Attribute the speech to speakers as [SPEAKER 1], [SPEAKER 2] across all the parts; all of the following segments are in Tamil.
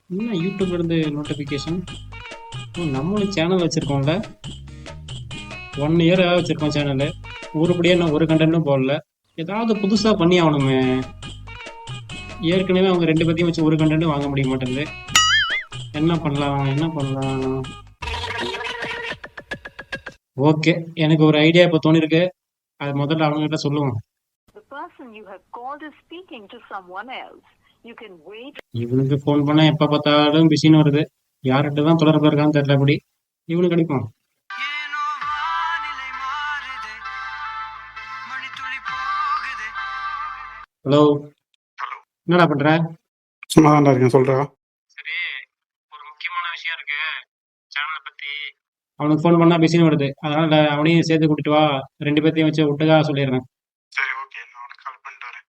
[SPEAKER 1] என்ன யூடியூப்ல இருந்து நோட்டிஃபிகேஷன்? நம்மளும் சேனல் வச்சிருக்கோம்ல. 1 இயர் வச்சிருக்கோம் சேனல். உருப்படியா நான் ஒரு கண்டென்ட்டும் போடல. ஏதாவது புதுசா பண்ணி ஆகணுமே. ஏற்கனவே அவங்க 2 பேத்தையும் வச்சு ஒரு கண்டென்ட்டும் வாங்க முடிய மாட்டேங்குது. என்ன பண்ணலாம்? ஓகே, எனக்கு ஒரு ஐடியா இப்போ தோணிருக்கு. அது முதல்ல அவங்க கிட்ட சொல்லுவோம். இவனுக்கு ஃபோன் பண்ணா எப்ப பார்த்தாலும் பிஸின்னு வருது. யார்கிட்ட தான் தொடர்பு இருக்கான்னு தெரியல. அப்படி இவனுக்கு அடிப்போம். ஹலோ, என்னடா பண்ற?
[SPEAKER 2] சும்மா தான் இருக்கேன், சொல்றா.
[SPEAKER 1] சரி, ஒரு முக்கியமான விஷயம் இருக்கு சேனலை பத்தி. அவனுக்கு ஃபோன் பண்ணா பிஸின்னு வருது. அதனால அவனையும் சேர்த்து கூட்டிட்டு வா. 2 பேர்த்தையும் வச்சு விட்டுக்கா சொல்லிடுறேன்.
[SPEAKER 2] சரி, ஓகே, நான் உனக்கு கால் பண்ணிட்டு வரேன்.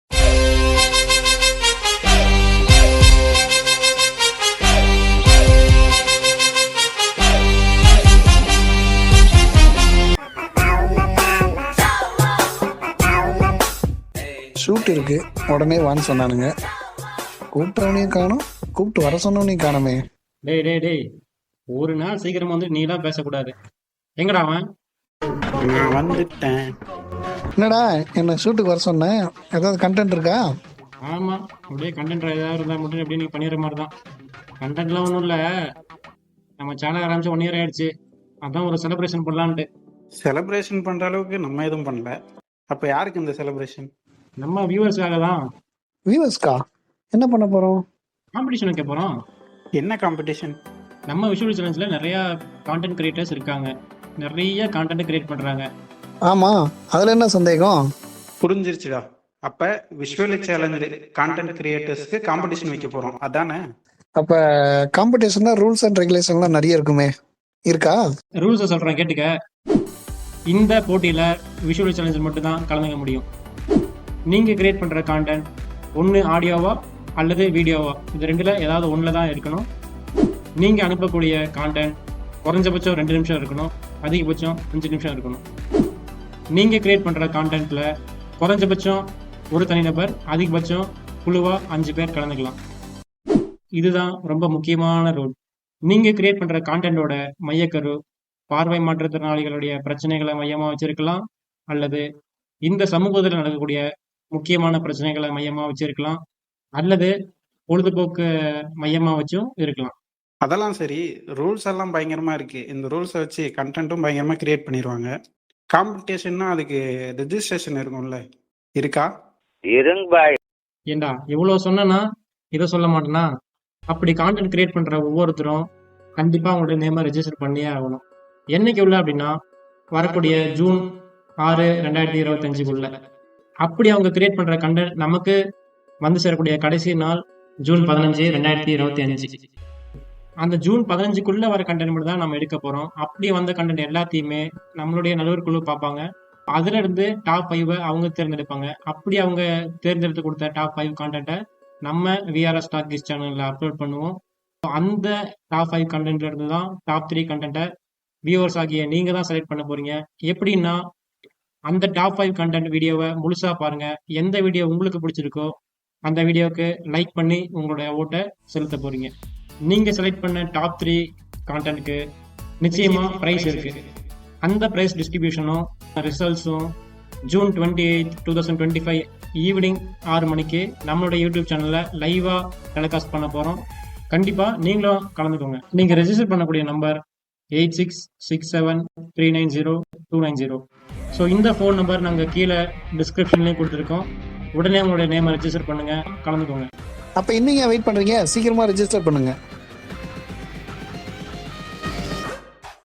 [SPEAKER 2] ஷூட் இருக்கு, உடனே வான்னு சொன்னானுங்க. கூப்பிட்டவனையும் காணும், கூப்பிட்டு வர சொன்னவனையும் காணுமே.
[SPEAKER 1] டேய், ஒரு நாள் சீக்கிரமா வந்து நீலாம் பேசக்கூடாது. எங்கடா அவன்?
[SPEAKER 2] நான் வந்துட்டேன்.
[SPEAKER 3] என்னடா என்ன ஷூட்டுக்கு வர சொன்னேன், ஏதாவது கண்டென்ட் இருக்கா?
[SPEAKER 1] ஆமா, அப்படியே கண்டென்ட் ஏதாவது இருந்தா மட்டும் அப்படியே நீ பண்ணிடுற மாதிரி தான். கண்டென்ட்லாம் ஒன்றும் இல்லை. நம்ம சேனல் ஆரம்பிச்சு 1 இயர் ஆயிடுச்சு. அதான் ஒரு செலிப்ரேஷன் பண்ணலான்ட்டு.
[SPEAKER 2] செலிப்ரேஷன் பண்ற அளவுக்கு நம்ம எதுவும் பண்ணல. அப்ப யாருக்கு இந்த செலிப்ரேஷன்?
[SPEAKER 1] நம்ம வியூவர்ஸ்க்காக தான்.
[SPEAKER 3] வியூவர்ஸ்க்கா? என்ன பண்ண போறோம்?
[SPEAKER 1] காம்படிஷன் வைக்க போறோம்.
[SPEAKER 2] என்ன காம்படிஷன்?
[SPEAKER 1] நம்ம விஷுவல் சேலஞ்சில் நிறைய கான்டென்ட் கிரியேட்டர்ஸ் இருக்காங்க. நிறைய கான்டென்ட் கிரியேட் பண்றாங்க.
[SPEAKER 3] ஆமா, அதுல என்ன சந்தேகம்?
[SPEAKER 2] புரிஞ்சிருச்சுடா. அப்ப விஷுவல் சேலஞ்ச் கான்டென்ட் கிரியேட்டர்ஸ்க்கு காம்படிஷன் வைக்க போறோம், அதானே?
[SPEAKER 3] அப்ப காம்படிஷன்ல ரூல்ஸ் அண்ட் ரெகுலேஷன்லாம் நிறைய இருக்குமே, இருக்கா?
[SPEAKER 1] ரூல்ஸை சொல்றேன் கேட்டுக்க. இந்த போட்டியில விஷுவல் சேலஞ்சில் மட்டும் தான் கலந்துக்க முடியும். நீங்க கிரியேட் பண்ற கான்டென்ட் ஒன்று ஆடியோவா அல்லது வீடியோவா, இது 2ல ஏதாவது ஒன்றில் தான் இருக்கணும். நீங்க அனுப்பக்கூடிய கான்டென்ட் குறைஞ்சபட்சம் 2 நிமிஷம் இருக்கணும், அதிகபட்சம் 5 நிமிஷம் இருக்கணும். நீங்க கிரியேட் பண்ற கான்டென்ட்ல குறைஞ்சபட்சம் ஒரு தனிநபர், அதிகபட்சம் குழுவா 5 பேர் கலந்துக்கலாம். இதுதான் ரொம்ப முக்கியமான ரூல். நீங்க கிரியேட் பண்ற கான்டென்ட்டோட மையக்கரு பார்வை மாற்றுத்திறனாளிகளுடைய பிரச்சனைகளை மையமா வச்சிருக்கலாம், அல்லது இந்த சமூகத்தில் நடக்கக்கூடிய முக்கியமான பிரச்சனைகளை மையமா வச்சிருக்கலாம், அல்லது பொழுதுபோக்கு மையமா வச்சும் இருக்கலாம்.
[SPEAKER 2] அதெல்லாம் சரி, ரூல்ஸ் எல்லாம் பயங்கரமா இருக்கு. இந்த ரூல்ஸை வச்சு கண்டென்ட்டும் பயங்கரமா கிரியேட் பண்ணிடுவாங்க. காம்படிஷன்னா அதுக்கு ரெஜிஸ்ட்ரேஷன் இருக்கும்ல, இருக்கா?
[SPEAKER 1] ஏண்டா இவ்வளவு சொன்னா இதை சொல்ல மாட்டேனா? அப்படி கான்டென்ட் கிரியேட் பண்ற ஒவ்வொருத்தரும் கண்டிப்பா அவங்களுடைய நேமை ரெஜிஸ்டர் பண்ணியே ஆகணும். என்னைக்கு உள்ள அப்படின்னா வரக்கூடிய ஜூன் 6, 2025 அப்படி அவங்க கிரியேட் பண்ற கண்டென்ட் நமக்கு வந்து சேரக்கூடிய கடைசி நாள் ஜூன் 15, 2025. அந்த ஜூன் 15 வர கண்டென்ட் மட்டும் தான் நம்ம எடுக்க போறோம். அப்படி வந்த கண்டென்ட் எல்லாத்தையுமே நம்மளுடைய நடுவர் குழு பார்ப்பாங்க. அதுல இருந்து டாப் 5 அவங்க தேர்ந்தெடுப்பாங்க. அப்படி அவங்க தேர்ந்தெடுத்து கொடுத்த டாப் 5 கான்டென்ட்டை நம்ம விஆர்எஸ் டாக்கிஸ் சேனல்ல அப்லோட் பண்ணுவோம். அந்த டாப் 5 கண்டென்ட்ல இருந்து தான் டாப் 3 கண்டென்ட்டை வியூவர்ஸ் ஆகிய நீங்க தான் செலக்ட் பண்ண போறீங்க. எப்படின்னா அந்த டாப் 5 கண்டென்ட் வீடியோவை முழுசா பாருங்க. எந்த வீடியோ உங்களுக்கு பிடிச்சிருக்கோ அந்த வீடியோவுக்கு லைக் பண்ணி உங்களுடைய ஓட்டை செலுத்த போறீங்க. நீங்க செலக்ட் பண்ண டாப் 3 கான்டென்ட்க்கு நிச்சயமா பிரைஸ் இருக்கு. அந்த பிரைஸ் டிஸ்ட்ரிபியூஷனும் ரிசல்ட்ஸும் ஜூன் 28, 2025 ஈவினிங் 6 மணிக்கு நம்மளோட யூடியூப் சேனல்ல லைவா டெலிகாஸ்ட் பண்ண போறோம். கண்டிப்பா நீங்களும் கலந்துக்கோங்க. நீங்க ரெஜிஸ்டர் பண்ணக்கூடிய நம்பர் 8667390290. ஸோ இந்த ஃபோன் நம்பர் நாங்கள் கீழே டிஸ்கிரிப்ஷன்லேயும் கொடுத்துருக்கோம். உடனே உங்களுடைய நேமை ரெஜிஸ்டர் பண்ணுங்க, கலந்துக்கோங்க.
[SPEAKER 3] அப்ப இன்னும் வெயிட் பண்றீங்க? சீக்கிரமா ரெஜிஸ்டர் பண்ணுங்க.